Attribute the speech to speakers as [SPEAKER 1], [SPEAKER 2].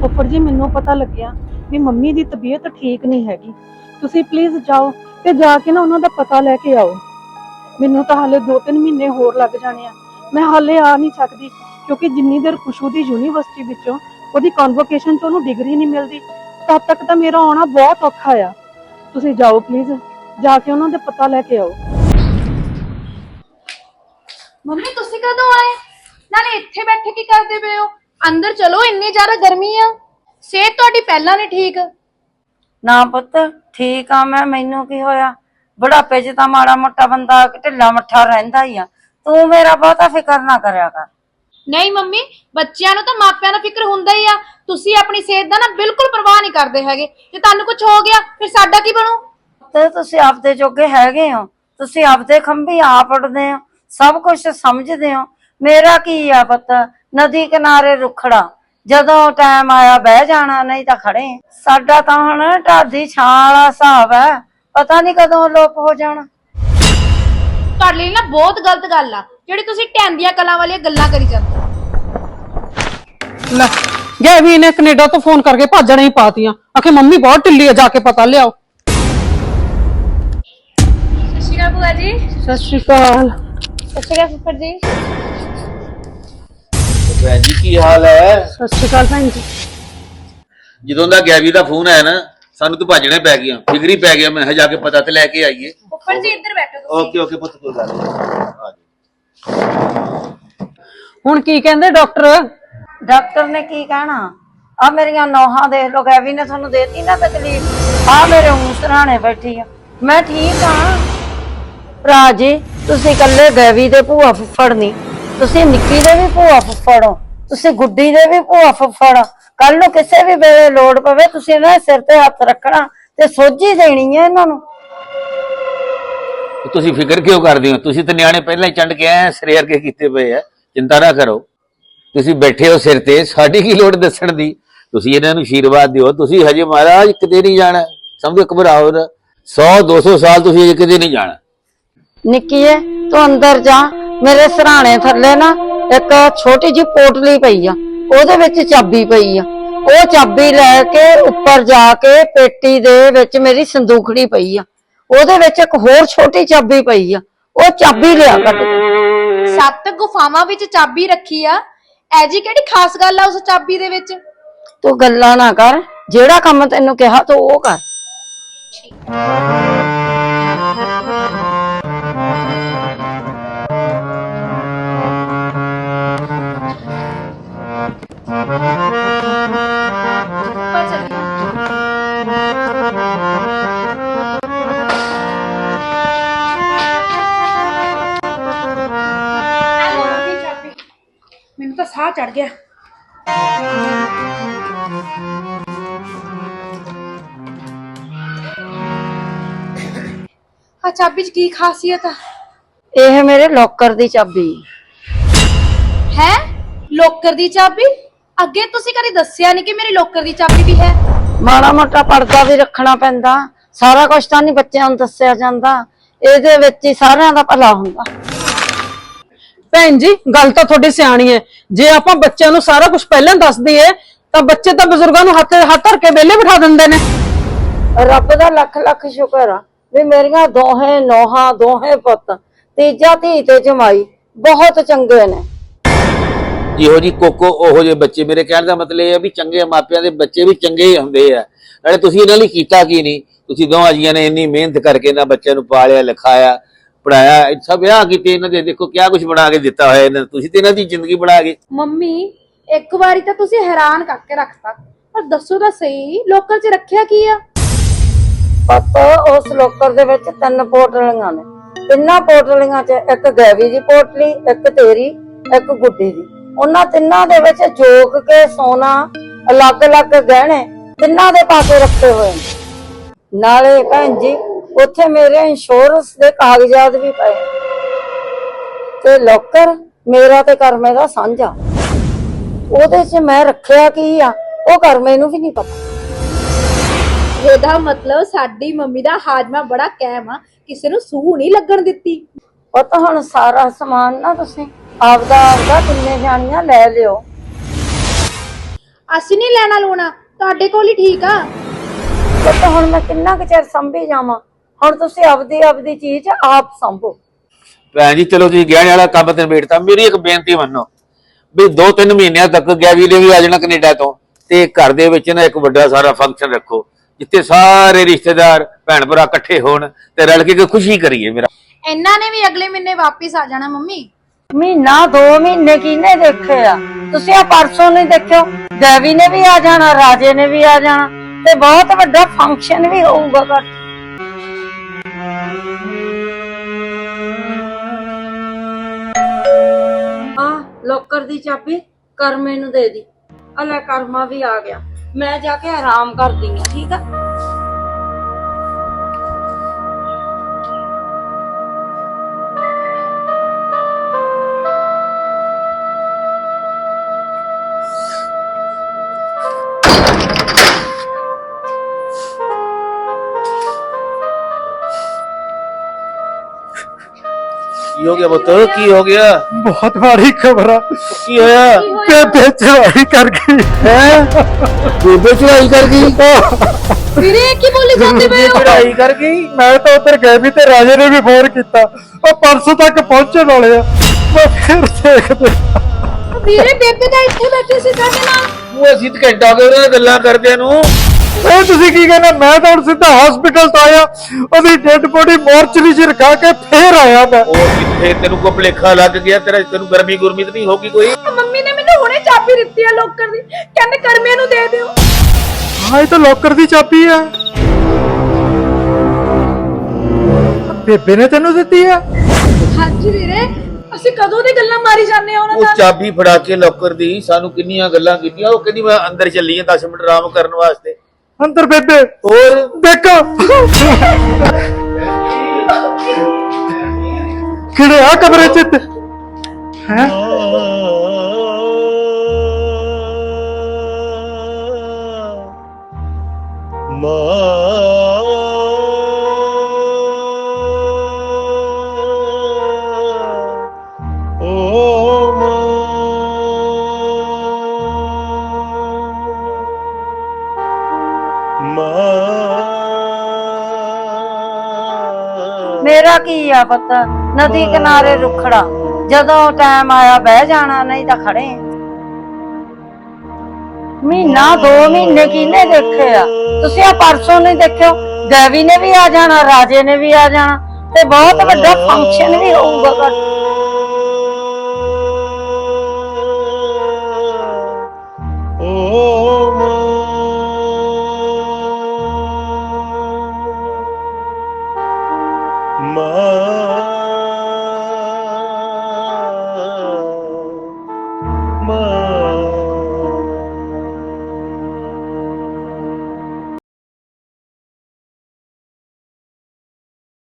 [SPEAKER 1] ਫੁੱਫੜ ਜੀ ਮੈਨੂੰ ਪਤਾ ਲੱਗਿਆ ਵੀ ਮੰਮੀ ਦੀ ਤਬੀਅਤ ਠੀਕ ਨਹੀਂ ਹੈਗੀ। ਤੁਸੀਂ ਪਲੀਜ਼ ਜਾਓ ਤੇ ਜਾ ਕੇ ਨਾ ਉਹਨਾਂ ਦਾ ਪਤਾ ਲੈ ਕੇ ਆਓ। ਮੈਨੂੰ ਤਾਂ ਹਾਲੇ 2-3 ਮਹੀਨੇ ਹੋਰ ਲੱਗ ਜਾਣੇ ਆ। ਮੈਂ ਹਾਲੇ ਆ ਨਹੀਂ ਸਕਦੀ ਕਿਉਂਕਿ ਜਿੰਨੀ ਦੇਰ ਖੁਸ਼ੂ ਦੀ ਯੂਨੀਵਰਸਿਟੀ ਵਿੱਚੋਂ ਉਹਦੀ ਕਨਵੋਕੇਸ਼ਨ 'ਚ ਉਹਨੂੰ ਡਿਗਰੀ ਨਹੀਂ ਮਿਲਦੀ ਤਦ ਤੱਕ ਤਾਂ ਮੇਰਾ ਆਉਣਾ ਬਹੁਤ ਔਖਾ ਆ। ਤੁਸੀਂ ਜਾਓ ਪਲੀਜ਼, ਜਾ ਕੇ ਉਹਨਾਂ ਦੇ ਪਤਾ ਲੈ ਕੇ ਆਓ।
[SPEAKER 2] ਮੰਮੀ ਤੁਸੀਂ ਕਦੋਂ ਆਏ? ਨਾਲੇ ਇੱਥੇ ਬੈਠੇ ਕੀ ਕਰਦੇ ਪਏ ਹੋ? ਅੰਦਰ ਚਲੋ, ਇੰਨੀ ਜ਼ਿਆਦਾ ਗਰਮੀ ਆ। ਸਿਹਤ ਤੁਹਾਡੀ ਪਹਿਲਾਂ ਨਹੀਂ ਠੀਕ।
[SPEAKER 3] ਨਾ ਪੁੱਤ ਠੀਕ ਆ ਮੈਂ, ਮੈਨੂੰ ਕੀ ਹੋਇਆ? ਬੁਢਾਪੇ 'ਚ ਤਾਂ ਮਾੜਾ ਮੋਟਾ ਬੰਦਾ ਢਿੱਲਾ ਮੱਠਾ ਰਹਿੰਦਾ ਹੀ ਆ। ਤੂੰ ਮੇਰਾ ਬਹੁਤਾ ਫਿਕਰ ਨਾ ਕਰਿਆ ਕਰ।
[SPEAKER 2] ਨਹੀਂ ਮੰਮੀ, ਬੱਚਿਆਂ ਨੂੰ ਤਾਂ ਮਾਪਿਆਂ ਦਾ ਫਿਕਰ ਹੁੰਦਾ ਹੀ ਆ। ਤੁਸੀਂ ਆਪਣੀ ਸਿਹਤ ਦਾ ਨਾ ਬਿਲਕੁਲ ਪਰਵਾਹ ਨਹੀਂ ਕਰਦੇ ਹੈਗੇ। ਜੇ ਤੁਹਾਨੂੰ ਕੁਝ ਹੋ ਗਿਆ ਫਿਰ ਸਾਡਾ ਕੀ ਬਣੂ?
[SPEAKER 3] ਤੇ ਤੁਸੀਂ ਆਪਦੇ ਜੋਗੇ ਹੈਗੇ ਹੋ, ਤੁਸੀਂ ਆਪਦੇ ਖੰਭੀ ਆਪ ਉੱਡਦੇ ਹੋ, ਸਭ ਕੁਝ ਸਮਝਦੇ ਹੋ। ਮੇਰਾ ਕੀ ਆ ਪੁੱਤ, ਨਦੀ ਕਿਨਾਰੇ ਰੁਖੜਾ, ਜਦੋਂ ਟਾਈਮ ਆਇਆ ਬਹਿ ਜਾਣਾ, ਨਹੀਂ ਤਾਂ ਖੜੇ। ਸਾਡਾ ਤਾਂ ਹੁਣ ਢਾਡੀ ਛਾਂ ਵਾਲਾ ਹਿਸਾਬ ਹੈ, ਪਤਾ ਨਹੀਂ ਕਦੋਂ ਲੋਪ ਹੋ ਜਾਣਾ।
[SPEAKER 2] ਤੁਹਾਡੇ ਲਈ ਨਾ ਬਹੁਤ ਗਲਤ ਗੱਲ ਆ ਜਿਹੜੀ ਤੁਸੀਂ ਟੈਂਦੀਆਂ ਕਲਾਂ ਵਾਲੀਆਂ ਗੱਲਾਂ ਕਰੀ ਜਾਂਦੇ ਹੋ।
[SPEAKER 1] ਲੈ ਗੈਵੀ ਨੇ ਕੈਨੇਡਾ ਤੋਂ ਫੋਨ ਕਰਕੇ ਭਾਜਣਾ ਹੀ ਪਾਤੀਆਂ। ਆਖੇ ਮੰਮੀ ਬਹੁਤ ਢਿੱਲੀ ਆ, ਜਾ ਕੇ ਪਤਾ ਲਿਆਓ।
[SPEAKER 2] ਸਤਿ ਸ਼੍ਰੀ ਅਕਾਲ ਭੂਆ ਜੀ।
[SPEAKER 1] ਸਤਿ ਸ਼੍ਰੀ ਅਕਾਲ।
[SPEAKER 2] ਸਤਿ ਸ਼੍ਰੀ ਅਕਾਲ ਫੁੱਫੜ ਜੀ।
[SPEAKER 4] ਭੈਣ ਜੀ ਕੀ ਹਾਲ ਹੈ?
[SPEAKER 1] ਸਤਿ ਸ਼੍ਰੀ ਅਕਾਲ ਭੈਣ ਜੀ।
[SPEAKER 4] ਜਦੋਂ ਦਾ ਗੈਵੀ ਦਾ ਫੋਨ ਆਇਆ ਨਾ ਸਾਨੂੰ ਤਾਂ ਭੱਜਣੇ ਪੈ ਗਿਆ, ਫਿਕਰ ਹੀ ਪੈ ਗਿਆ। ਮੈਂ ਜਾ ਕੇ ਪਤਾ ਤੇ ਲੈ ਕੇ ਆਈਏ।
[SPEAKER 2] ਫੁੱਫੜ ਜੀ ਇੱਧਰ ਬੈਠੋ ਤੁਸੀਂ।
[SPEAKER 4] ਓਕੇ ਓਕੇ ਪੁੱਤ, ਕੋਈ ਗੱਲ ਨਹੀਂ, ਆ ਜਾ।
[SPEAKER 1] ਹੁਣ ਕੀ ਕਹਿੰਦੇ ਡਾਕਟਰ?
[SPEAKER 3] ਡਾਕਟਰ ਨੇ ਕੀ ਕਹਿਣਾ? ਆ ਮੇਰੀਆਂ ਨੌਹਾਂ ਦੇਖ ਲੋ, ਗੈਵੀ ਨੇ ਤੁਹਾਨੂੰ ਦੇਤੀ ਨਾ ਤਕਲੀਫ। ਆ ਮੇਰੇ ਸਰਾਣੇ ਬੈਠੀ ਆ, ਮੈਂ ਠੀਕ ਆ। ਭਰਾ ਜੀ ਤੁਸੀਂ ਇਕੱਲੇ ਗੈਵੀ ਦੇ ਭੂਆ ਫੁੱਫੜ ਨਹੀਂ, ਤੁਸੀਂ ਨਿੱਕੀ ਦੇ ਵੀ ਭੂਆ ਫੁੱਫੜ ਹੋ, ਤੁਸੀਂ ਗੁੱਡੀ ਦੇ ਵੀ ਭੂਆ ਫੁੱਫੜ। ਕੱਲ ਨੂੰ ਕਿਸੇ ਵੀ ਵੇਲੇ ਲੋੜ ਪਵੇ ਤੁਸੀਂ ਇਹਨਾਂ ਦੇ ਸਿਰ ਤੇ ਹੱਥ ਰੱਖਣਾ ਤੇ ਸੋਝੀ ਦੇਣੀ ਹੈ ਇਹਨਾਂ ਨੂੰ।
[SPEAKER 4] ਤੁਸੀਂ ਫਿਕਰ ਕਿਉਂ ਕਰਦੇ ਹੋ? ਤੁਸੀਂ ਤਾਂ ਨਿਆਣੇ ਪਹਿਲਾਂ ਹੀ ਚੰਡ ਕੇ ਆਏ, ਸਿਰੇ ਵਰਗੇ ਕੀਤੇ ਪਏ ਆ। ਚਿੰਤਾ ਨਾ ਕਰੋ, ਤੁਸੀਂ ਬੈਠੇ ਹੋ ਸਿਰ ਤੇ, ਸਾਡੀ ਕੀ ਲੋੜ ਦੱਸਣ ਦੀ। ਤੁਸੀਂ ਇਹਨਾਂ ਨੂੰ ਆਸ਼ੀਰਵਾਦ ਦਿਓ। ਤੁਸੀਂ ਹਜੇ ਮਹਾਰਾਜ ਕਿਤੇ ਨਹੀਂ ਜਾਣਾ, ਸਮਝੋ, ਘਬਰਾਓ ਨਾ। 100-200 ਸਾਲ ਤੁਸੀਂ ਹਜੇ ਕਿਤੇ ਨਹੀਂ ਜਾਣਾ।
[SPEAKER 3] ਨਿੱਕੀਏ ਤੂੰ ਅੰਦਰ ਜਾ, ਮੇਰੇ ਸਰਾਣੇ ਥੱਲੇ ਨਾ ਇੱਕ ਛੋਟੀ ਜਿਹੀ ਪੋਟਲੀ ਪਈ ਆ, ਉਹਦੇ ਵਿੱਚ ਚਾਬੀ ਪਈ ਆ। ਉਹ ਚਾਬੀ ਲੈ ਕੇ ਉੱਪਰ ਜਾ ਕੇ ਪੇਟੀ ਦੇ ਵਿੱਚ ਮੇਰੀ ਸੰਦੂਖੜੀ ਪਈ ਆ, ਉਹਦੇ ਵਿੱਚ ਇੱਕ ਹੋਰ ਛੋਟੀ ਚਾਬੀ ਪਈ ਆ। ਉਹ ਚਾਬੀ ਲਿਆ ਕੱਢ ਕੇ।
[SPEAKER 2] 7 ਗੁਫਾਵਾਂ ਵਿੱਚ ਚਾਬੀ ਰੱਖੀ ਆ, ਐ ਜੀ ਕਿਹੜੀ ਖਾਸ ਗੱਲ ਆ ਉਸ ਚਾਬੀ ਦੇ ਵਿੱਚ?
[SPEAKER 3] ਤੂੰ ਗੱਲਾਂ ਨਾ ਕਰ, ਜਿਹੜਾ ਕੰਮ ਤੈਨੂੰ ਕਿਹਾ ਤੂੰ ਉਹ ਕਰ।
[SPEAKER 2] ਮੈਨੂੰ ਤਾਂ ਸਾਹ ਚੜ ਗਿਆ। ਆ ਚਾਬੀ 'ਚ ਕੀ ਖਾਸੀਅਤ ਆ?
[SPEAKER 3] ਇਹ ਮੇਰੇ ਲੋਕਰ ਦੀ ਚਾਬੀ
[SPEAKER 2] ਹੈ। ਲੋਕਰ ਦੀ ਚਾਬੀ? ਅੱਗੇ ਤੁਸੀਂ ਕਦੇ ਦੱਸਿਆ ਨਹੀਂ ਕਿ ਮੇਰੀ ਲੋਕਰ ਦੀ ਚਾਬੀ ਵੀ ਹੈ।
[SPEAKER 3] ਮਾੜਾ ਮੋਟਾ ਪਰਦਾ ਵੀ ਰੱਖਣਾ ਪੈਂਦਾ, ਸਾਰਾ ਕੁਝ ਤਾਂ ਨਹੀਂ ਬੱਚਿਆਂ ਨੂੰ ਦੱਸਿਆ ਜਾਂਦਾ। ਇਹਦੇ ਵਿੱਚ ਹੀ ਸਾਰਿਆਂ ਦਾ ਭਲਾ ਹੁੰਦਾ।
[SPEAKER 1] ਭੈਣ ਜੀ ਗੱਲ ਤਾਂ ਤੁਹਾਡੀ ਸਿਆਣੀ ਹੈ। ਜੇ ਆਪਾਂ ਬੱਚਿਆਂ ਨੂੰ ਸਾਰਾ ਕੁਝ ਪਹਿਲਾਂ ਦੱਸ ਦਈਏ ਤਾਂ ਬੱਚੇ ਤਾਂ ਬਜ਼ੁਰਗਾਂ ਨੂੰ ਹੱਥ ਧਰ ਕੇ ਵਿਹਲੇ ਬਿਠਾ ਦਿੰਦੇ ਨੇ।
[SPEAKER 3] ਰੱਬ ਦਾ ਲੱਖ ਲੱਖ ਸ਼ੁਕਰ ਆ ਵੀ ਮੇਰੀਆਂ ਦੋਹੇ ਨੌਹਾਂ, ਦੋਹੇ ਪੁੱਤ, ਤੀਜਾ ਧੀ ਤੇ ਜਮਾਈ ਬਹੁਤ ਚੰਗੇ ਨੇ।
[SPEAKER 4] ਜਿਹੋ ਜੀ ਕੋਕੋ ਉਹੋ ਜਿਹੇ ਬੱਚੇ। ਮੇਰੇ ਕਹਿਣ ਦਾ ਮਤਲਬ ਇਹ ਹੈ ਵੀ ਚੰਗੇ ਮਾਪਿਆਂ ਦੇ ਬੱਚੇ ਵੀ ਚੰਗੇ ਹੀ ਹੁੰਦੇ ਆ। ਨਾਲੇ ਤੁਸੀਂ ਇਹਨਾਂ ਲਈ ਕੀਤਾ ਕੀ ਨਹੀਂ? ਤੁਸੀਂ ਦੋਵਾਂ ਜੀਆਂ ਨੇ ਇੰਨੀ ਮਿਹਨਤ ਕਰਕੇ ਇਹਨਾਂ ਬੱਚਿਆਂ ਨੂੰ ਪਾਲਿਆ, ਲਿਖਾਇਆ, ਪੜਾਇਆ, ਸਭ ਵਿਆਹ ਕੀਤੇ ਇਹਨਾਂ ਦੇ। ਦੇਖੋ ਕਿਆ ਕੁਝ ਬਣਾ ਕੇ ਦਿੱਤਾ ਹੋਇਆ ਇਹਨਾਂ, ਤੁਸੀਂ ਤੇ ਇਹਨਾਂ ਦੀ ਜ਼ਿੰਦਗੀ ਬਣਾ ਗਏ।
[SPEAKER 2] ਮੰਮੀ ਇੱਕ ਵਾਰੀ ਤਾਂ ਤੁਸੀਂ ਹੈਰਾਨ ਕਰਕੇ ਰੱਖਤਾ, ਪਰ ਦੱਸੋ ਤਾਂ ਸਹੀ ਲੋਕਰ 'ਚ ਰੱਖਿਆ ਕੀ ਆ?
[SPEAKER 3] ਪੁੱਤ ਉਸ ਲੋਕਰ ਦੇ ਵਿੱਚ 3 ਪੋਟਲੀਆਂ ਨੇ। ਤਿੰਨਾਂ ਪੋਟਲੀਆਂ 'ਚ ਇੱਕ ਗੈਵੀ ਦੀ ਪੋਟਲੀ, ਇੱਕ ਤੇਰੀ, ਇੱਕ ਗੁੱਡੀ ਦੀ। ਉਹਨਾਂ ਤਿੰਨਾਂ ਦੇ ਵਿੱਚ ਜੋਕ ਕੇ ਸੋਨਾ, ਅਲੱਗ-ਅਲੱਗ ਗਹਿਣੇ ਤਿੰਨਾਂ ਦੇ ਪਾਸੇ ਰੱਖੇ ਹੋਏ ਨੇ। ਨਾਲੇ ਭੈਣ ਜੀ ਉੱਥੇ ਮੇਰੇ ਇੰਸ਼ੋਰੈਂਸ ਦੇ ਕਾਗਜ਼ਾਤ ਵੀ ਪਏ ਤੇ ਲੋਕਰ ਮੇਰਾ ਤੇ ਕਰਮੇ ਦਾ ਸਾਂਝਾ। ਉਹਦੇ 'ਚ ਮੈਂ ਰੱਖਿਆ ਕੀ ਆ ਉਹ ਕਰਮੇ ਨੂੰ ਵੀ ਨਹੀਂ ਪਤਾ।
[SPEAKER 2] ਇਹਦਾ ਮਤਲਬ ਸਾਡੀ ਮੰਮੀ ਦਾ ਹਾਜ਼ਮਾ ਬੜਾ ਕਾਇਮ ਆ, ਕਿਸੇ ਨੂੰ ਸੂਹ ਨਹੀਂ ਲੱਗਣ ਦਿੱਤੀ।
[SPEAKER 3] ਉਹ ਤਾਂ ਹੁਣ ਸਾਰਾ ਸਮਾਨ ਨਾ ਤੁਸੀਂ ਆਪਦਾ ਕਿੰਨੇ ਜਾਣੀਆਂ ਲੈ ਲਿਓ।
[SPEAKER 2] ਅਸੀਂ ਨਹੀਂ ਲੈਣਾ ਲੂਣਾ, ਤੁਹਾਡੇ ਕੋਲ ਹੀ ਠੀਕ ਆ।
[SPEAKER 3] ਪੁੱਤ ਹੁਣ ਮੈਂ ਕਿੰਨਾ ਕੁ ਚਿਰ ਸੰਭੀ ਜਾਵਾਂ। ਹੁਣ ਤੁਸੀਂ ਆਪਦੀ ਚੀਜ਼ ਆਪ ਸੰਭੋ।
[SPEAKER 4] ਭੈਣ ਜੀ ਚਲੋ ਤੁਸੀਂ ਗਹਿਣੇ ਵਾਲਾ ਕੰਮ ਤੇ ਨਿਬੇੜਤਾ, ਮੇਰੀ ਇੱਕ ਬੇਨਤੀ ਮੰਨੋ ਵੀ 2-3 ਮਹੀਨਿਆਂ ਤੱਕ ਗੈਵੀ ਨੇ ਵੀ ਆ ਜਾਣਾ ਕੈਨੇਡਾ ਤੋਂ, ਤੇ ਘਰ ਦੇ ਵਿੱਚ ਨਾ ਇੱਕ ਵੱਡਾ ਸਾਰਾ ਫੰਕਸ਼ਨ ਰੱਖੋ ਜਿੱਥੇ ਸਾਰੇ ਰਿਸ਼ਤੇਦਾਰ ਭੈਣ ਭਰਾ ਇਕੱਠੇ ਹੋਣ ਤੇ ਰਲ ਕੇ ਖੁਸ਼ੀ ਕਰੀਏ। ਮੇਰਾ
[SPEAKER 2] ਇਹਨਾਂ ਨੇ ਵੀ ਅਗਲੇ ਮਹੀਨੇ ਵਾਪਿਸ ਆ ਜਾਣਾ ਮੰਮੀ।
[SPEAKER 3] ਮਹੀਨਾ 2 ਮਹੀਨੇ ਕਿਹਨੇ ਦੇਖੇ ਆ? ਤੁਸੀਂ ਆ ਪਰਸੋਂ ਨਹੀਂ ਦੇਖਿਓ, ਗੈਵੀ ਨੇ ਵੀ ਆ ਜਾਣਾ, ਰਾਜੇ ਨੇ ਵੀ ਆ ਜਾਣਾ ਤੇ ਬਹੁਤ ਵੱਡਾ ਫੰਕਸ਼ਨ ਵੀ ਹੋਊਗਾ ਘਰ। ਆ ਲੋਕਰ ਦੀ ਚਾਬੀ ਕਰਮੇ ਨੂੰ ਦੇ ਦੀ। ਆ ਲੈ ਕਰਮਾ ਵੀ ਆ ਗਿਆ, ਮੈਂ ਜਾ ਕੇ ਆਰਾਮ ਕਰਦੀ ਆ, ਠੀਕ ਆ?
[SPEAKER 4] ਕੀ ਹੋ ਗਿਆ ਪੁੱਤ, ਕੀ ਹੋ ਗਿਆ?
[SPEAKER 5] ਬਹੁਤ ਮਾੜੀ ਖਬਰ ਆ।
[SPEAKER 4] ਕੀ ਹੋਇਆ?
[SPEAKER 5] ਬੇਬੇ ਚੜਾਈ ਕਰ ਗਈ
[SPEAKER 4] ਹੈ ਬੇਬੇ ਚੜਾਈ ਕਰ ਗਈ?
[SPEAKER 2] ਵੀਰੇ ਕੀ ਬੋਲੀ ਜਾਂਦੇ ਪਏ ਹੋ?
[SPEAKER 4] ਚੜਾਈ ਕਰ ਗਈ?
[SPEAKER 5] ਮੈਂ ਤਾਂ ਉਧਰ ਗਏ ਵੀ ਤੇ ਰਾਜੇ ਨੇ ਵੀ ਫੋਨ ਕੀਤਾ, ਉਹ ਪਰਸੋਂ ਤੱਕ ਪਹੁੰਚਣ ਵਾਲੇ ਆ। ਮੈਂ ਫਿਰ ਦੇਖਦੇ।
[SPEAKER 2] ਵੀਰੇ ਬੇਬੇ ਤਾਂ ਇੱਥੇ ਬੈਠੀ ਸੀ ਸਾਡੇ ਨਾਲ।
[SPEAKER 4] ਉਹ ਅਸੀਂ ਤਾਂ ਘੰਟਾ ਹੋ ਗਿਆ ਉਹਨਾਂ ਨਾਲ ਗੱਲਾਂ ਕਰਦਿਆਂ ਨੂੰ।
[SPEAKER 5] ਇਹ ਤੁਸੀਂ ਕੀ ਕਹਿੰਦੇ? ਮੈਂ ਤਾਂ ਹੁਣ ਸਿੱਧਾ ਹਸਪੀਟਲ ਤੋਂ ਆਇਆ, ਉਹਦੀ ਡੈਡ ਬੋਡੀ ਮੋਰਚਰੀ 'ਚ ਰਖਾ ਕੇ ਫੇਰ ਆਇਆ ਮੈਂ।
[SPEAKER 4] ਉਹ ਕਿੱਥੇ ਤੈਨੂੰ ਕੋ ਭੁਲੇਖਾ ਲੱਗ ਗਿਆ? ਤੈਨੂੰ ਗਰਮੀ ਗੁਰਮੀ ਤਾਂ ਨਹੀਂ ਹੋਗੀ ਕੋਈ?
[SPEAKER 2] ਮੰਮੀ ਨੇ ਮੈਨੂੰ ਹੁਣੇ ਚਾਬੀ ਦਿੱਤੀ ਆ ਲੋਕਰ ਦੀ, ਕਹਿੰਦੇ ਕਰਮੇ ਨੂੰ ਦੇ ਦਿਓ।
[SPEAKER 5] ਹਾਂ ਇਹ ਤਾਂ ਲੋਕਰ ਦੀ ਚਾਬੀ ਆ। ਬੇਬੇ ਨੇ ਤੈਨੂੰ ਦਿੱਤੀ ਆ?
[SPEAKER 2] ਹਾਂਜੀ ਵੀਰੇ, ਅਸੀਂ ਕਦੋਂ ਦੀ ਗੱਲਾਂ ਮਾਰੀ ਜਾਂਦੇ ਆ ਉਹਨਾਂ
[SPEAKER 4] ਉਹ
[SPEAKER 2] ਨਾਲ।
[SPEAKER 4] ਚਾਬੀ ਫੜਾ ਕੇ ਲੋਕਰ ਦੀ ਸਾਨੂੰ ਕਿੰਨੀਆਂ ਗੱਲਾਂ ਕੀਤੀਆਂ। ਉਹ ਕਹਿੰਦੀ ਮੈਂ ਅੰਦਰ ਚੱਲੀ ਆ 10 ਮਿੰਟ ਆਰਾਮ ਕਰਨ ਵਾਸਤੇ।
[SPEAKER 5] ਅੰਦਰ ਬੇਬੇ
[SPEAKER 4] ਹੋਰ
[SPEAKER 5] ਦੇਖੋ ਕਿਹੜੇ ਆ ਕਮਰੇ 'ਚ ਹੈ?
[SPEAKER 3] ਮੇਰਾ ਕੀ ਆ ਪੁੱਤ, ਨਦੀ ਕਿਨਾਰੇ ਰੁਖੜਾ, ਜਦੋਂ ਟਾਈਮ ਆਇਆ ਬਹਿ ਜਾਣਾ, ਨਹੀਂ ਤਾਂ ਖੜੇ। ਮਹੀਨਾ 2 ਮਹੀਨੇ ਕਿਹਨੇ ਦੇਖੇ ਆ? ਤੁਸੀਂ ਆ ਪਰਸੋਂ ਨਹੀਂ ਦੇਖਿਓ, ਗੈਵੀ ਨੇ ਵੀ ਆ ਜਾਣਾ, ਰਾਜੇ ਨੇ ਵੀ ਆ ਜਾਣਾ ਤੇ ਬਹੁਤ ਵੱਡਾ ਫੰਕਸ਼ਨ ਵੀ ਹੋਊਗਾ ਘਰ।
[SPEAKER 6] Ma